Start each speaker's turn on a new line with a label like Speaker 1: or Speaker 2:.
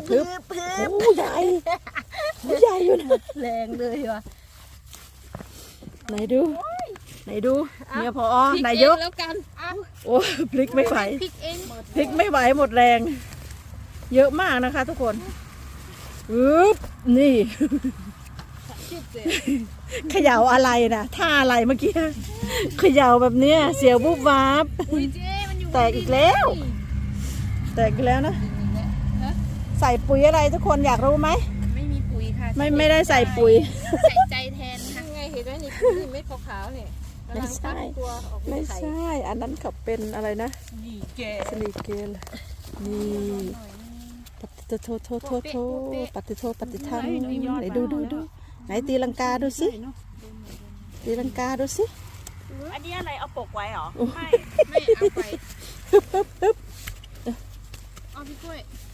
Speaker 1: พึบโอ้ใหญ่ใหญ่อยู่นะ
Speaker 2: แรงเลยว่ะ
Speaker 1: ไหนดูเมียพอไหนยก
Speaker 2: แล้วกัน
Speaker 1: โอ้พลิกไม่ไหว
Speaker 2: พริกเอง
Speaker 1: พลิกไม่ไหวหมดแรง เยอะมากนะคะทุกคนนี่ เขย่าอะไรนะท่าอะไรเมื่อกี้เขย่าแบบเนี้ยเสียวบุบวาบ
Speaker 2: อุ้ยเจ๊มันอยู่
Speaker 1: แตกอีกแล้ว แตกอีกแล้วนะใส่ปุ๋ยอะไรทุกคนอยากรู้ไหม
Speaker 2: ไม่มีปุ๋ยค่ะ
Speaker 1: ไม่ได้ใส่ปุ๋ย
Speaker 2: ใส่ใจแทนค่ะไงเห็นไหมนี่เม็ดขาวๆเนี่ย
Speaker 1: ไม่ใช่ ไม่ใช่ อันนั้นเขาเป็นอะไรนะ
Speaker 2: นี่แก
Speaker 1: สลีเกลนี่ปฏิโทปฏิโทปฏิทังไหนดูไหนตีลังกาดูสิตีลังกาดูสิ
Speaker 3: อันนี้อะไรเอาปกไว้เหรอ ไม่
Speaker 2: ไม่เอาไปเอาพี่กล้วย